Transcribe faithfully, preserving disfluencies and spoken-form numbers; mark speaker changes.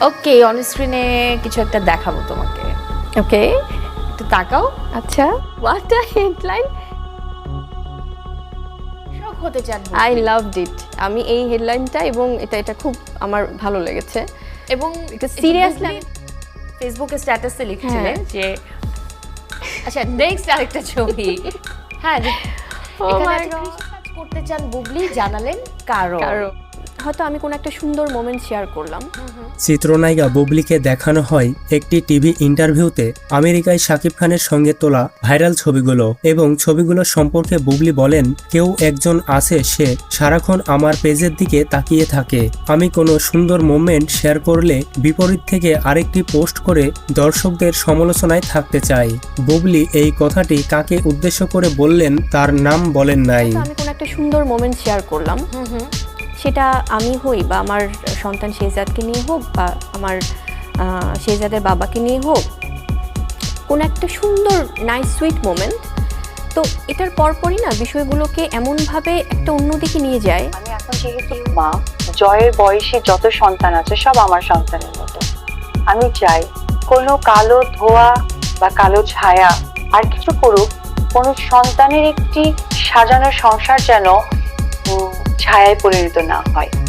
Speaker 1: ওকে, on স্ক্রিনে কিছু একটা দেখাবো তোমাকে।
Speaker 2: ওকে,
Speaker 1: একটু তাকাও।
Speaker 2: আচ্ছা, হোয়াট আ হেডলাইন।
Speaker 1: শখ হতে চান
Speaker 2: আই লাভড ইট। আমি এই হেডলাইনটা এবং এটা এটা খুব আমার ভালো লেগেছে
Speaker 1: এবং
Speaker 2: এটা সিরিয়াসলি
Speaker 1: ফেসবুকে স্ট্যাটাসে লিখছিলেন যে আচ্ছা নেক্সট আরেকটা ছবি। হ্যাঁ, যে এখানে একটা কৃষি কাজ করতে চান বুবলি, জানালেন কারণ
Speaker 2: কারণ হয়তো আমি কোনো একটা সুন্দর মোমেন্ট শেয়ার করলাম।
Speaker 3: চিত্রনায়িকা বুবলিকে দেখানো হয় একটি টিভি ইন্টারভিউতে আমেরিকায় শাকিব খানের সঙ্গে তোলা ভাইরাল ছবিগুলো এবং ছবিগুলো সম্পর্কে বুবলি বলেন, কেউ একজন আছে, সে সারাক্ষণ আমার পেজের দিকে তাকিয়ে থাকে। আমি কোনো সুন্দর মোমেন্ট শেয়ার করলে বিপরীত থেকে আরেকটি পোস্ট করে দর্শকদের সমালোচনায় থাকতে চাই। বুবলি এই কথাটি কাকে উদ্দেশ্য করে বললেন তার নাম বলেন নাই।
Speaker 2: তো আমি কোনো একটা সুন্দর মোমেন্ট শেয়ার করলাম, সেটা আমি হই বা আমার সন্তান শেহজাদকে নিয়ে হোক বা আমার শেহজাদের বাবাকে নিয়ে হোক, কোন একটা সুন্দর নাইস সুইট মোমেন্ট, তো এটার পরপরই না বিষয়গুলোকে এমনভাবে একটা অন্যদিকে নিয়ে যায়।
Speaker 4: আমি এখন যেহেতু মা, জয়ের বয়সী যত সন্তান আছে সব আমার সন্তানের মতো। আমি চাই কোনো কালো ধোয়া বা কালো ছায়া আর কিছু করুক, কোনো সন্তানের একটি সাজানো সংসার যেন ছায়ায় পরিণত না হয়।